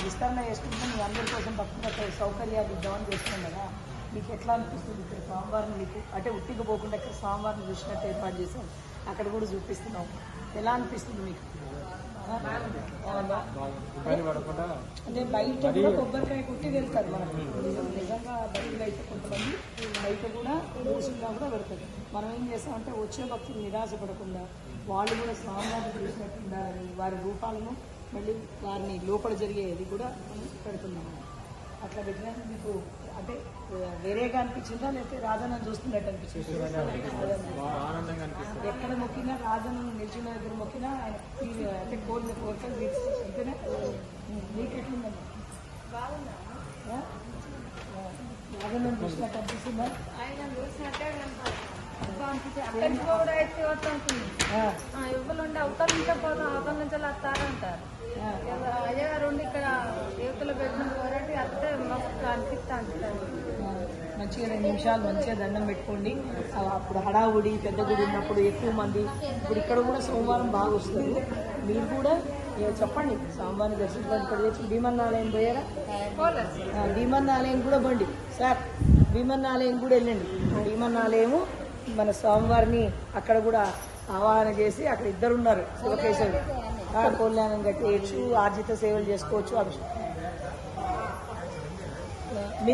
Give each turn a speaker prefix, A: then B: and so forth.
A: విస్తరణ చేసుకుంటే మీ అందరి కోసం తప్పకుండా సౌకర్యాలు ఇద్దామని చేస్తున్నాం కదా. మీకు ఎట్లా అనిపిస్తుంది ఇక్కడ స్వామివారిని మీకు అంటే ఉట్టిగా పోకుండా ఇక్కడ స్వామివారిని చూసినట్టు ఏర్పాటు చేసాం, అక్కడ కూడా చూపిస్తున్నాం. ఎలా అనిపిస్తుంది మీకు? అంటే బయట కూడా కొబ్బరికాయ కొట్టి వెళ్తారు మనకు నిజంగా బయటలో అయితే కొంతమంది బయట కూడా రోజుగా కూడా పెడతారు. మనం ఏం చేస్తామంటే వచ్చే భక్తులు నిరాశపడకుండా వాళ్ళు కూడా స్వామివారిని చూసినట్టు ఉండాలని వారి రూపాలను మళ్ళీ వారిని లోపల జరిగేది కూడా పెడుతున్నాము. అట్లా పెట్టినా మీకు అంటే వేరేగా అనిపించిందా లేకపోతే రాజన్న చూస్తున్నట్టు అనిపించింది? ఎక్కడ మొక్కినా రాజన్న నిలిచిన దగ్గర మొక్కినా ఆయన అంటే కోరిన కోరికలు అంతేనా? మీకెట్లుందమ్మా? రాజన్న చూసినట్టు అనిపిస్తుందా?
B: ఇవ్వలుండి అవతల నుంచే పోతాం, అవతల నుంచి వస్తారంటారు. అయ్యగారు ఉండి ఇక్కడ యువతలు పెట్టిన పోరాటి అత్తే మస్తు అనిపిస్తా.
A: మంచిగా 2 నిమిషాలు మంచిగా దండం పెట్టుకోండి. అప్పుడు హడావుడి పెద్ద గుడి ఉన్నప్పుడు ఎక్కువ మంది, ఇప్పుడు ఇక్కడ కూడా సోమవారం బాగా వస్తారు. మీరు కూడా చెప్పండి స్వామివారిని దర్శించుకోండి. ఇక్కడ తెచ్చి భీమన్నాలయం పోయారా? భీమన్నాలయం కూడా బండి సార్, భీమన్నాలయం కూడా వెళ్ళండి. భీమన్నాలయము మన స్వామివారిని అక్కడ కూడా ఆవాహన చేసి అక్కడ 2 ఉన్నారు శివకేశవుడు. కళ్యాణం కట్టేయచ్చు, ఆర్జిత సేవలు చేసుకోవచ్చు.